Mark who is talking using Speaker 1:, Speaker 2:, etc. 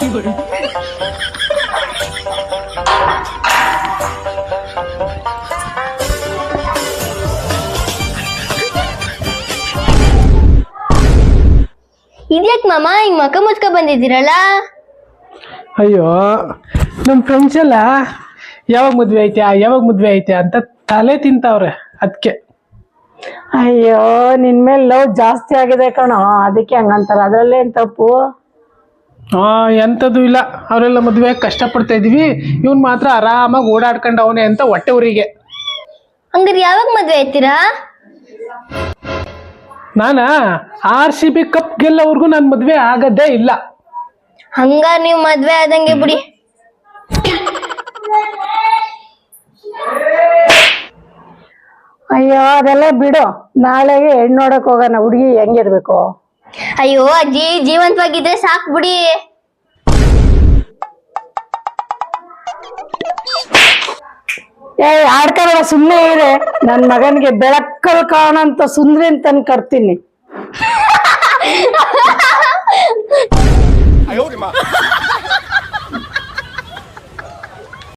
Speaker 1: ಇದ್ಯಾಕ್ ಮಾಮ ಹಿಂಗ್ ಮಕ ಮುಚ್ಕ ಬಂದಿದ್ದೀರಲ್ಲ?
Speaker 2: ಅಯ್ಯೋ ನಮ್ ಫ್ರೆಂಡ್ಸ್ ಎಲ್ಲ ಯಾವಾಗ ಮದ್ವೆ ಐತೆ ಅಂತ ತಲೆ ತಿಂತಾವ್ರೆ ಅದಕ್ಕೆ.
Speaker 3: ಅಯ್ಯೋ ನಿನ್ ಮೇಲೆ ಲವ್ ಜಾಸ್ತಿ ಆಗಿದೆ ಕಣೋ, ಅದಕ್ಕೆ ಹಂಗಂತಾರ. ಅದ್ರಲ್ಲೇನ್ ತಪ್ಪು?
Speaker 2: ಎಂಥದ್ದು ಇಲ್ಲ, ಅವರೆಲ್ಲ ಮದುವೆ ಕಷ್ಟಪಡ್ತಾ ಇದೀವಿ, ಇವನ್ ಮಾತ್ರ ಆರಾಮಾಗಿ ಓಡಾಡ್ಕೊಂಡು ಅವನೇ ಅಂತ ಹೊಟ್ಟೆ ಊರಿಗೆ.
Speaker 1: ಹಂಗಾರೆ ಯಾವಾಗ ಮದ್ವೆ ಆಯ್ತೀರಾ?
Speaker 2: ನಾನಾ RCB ಕಪ್ ಗೆಲ್ಲೋವರೆಗೂ ನಾನು ಮದ್ವೆ ಆಗದೇ ಇಲ್ಲ.
Speaker 1: ಹಂಗಾರ ನೀವ್ ಮದ್ವೆ ಆದಂಗೆ ಬಿಡಿ.
Speaker 3: ಅಯ್ಯೋ ಅದೆಲ್ಲ ಬಿಡು, ನಾಳೆಗೆ ಹೆಣ್ಣು ನೋಡಕ್ ಹೋಗೋಣ. ಹುಡುಗಿ ಹೆಂಗಿರ್ಬೇಕು?
Speaker 1: ಅಯ್ಯೋ ಅಜ್ಜಿ, ಜೀವಂತವಾಗಿದ್ರೆ ಸಾಕ್ ಬಿಡಿ.
Speaker 3: ಆಡ್ಕೊಳ್ಳೋ ಸುಮ್ಮನೆ ಇರೆ. ನನ್ ಮಗನಿಗೆ ಬೆಳಕಲ್ ಕಾಣಂತ ಸುಂದ್ರಿ ಅಂತ ಕರ್ತೀನಿ.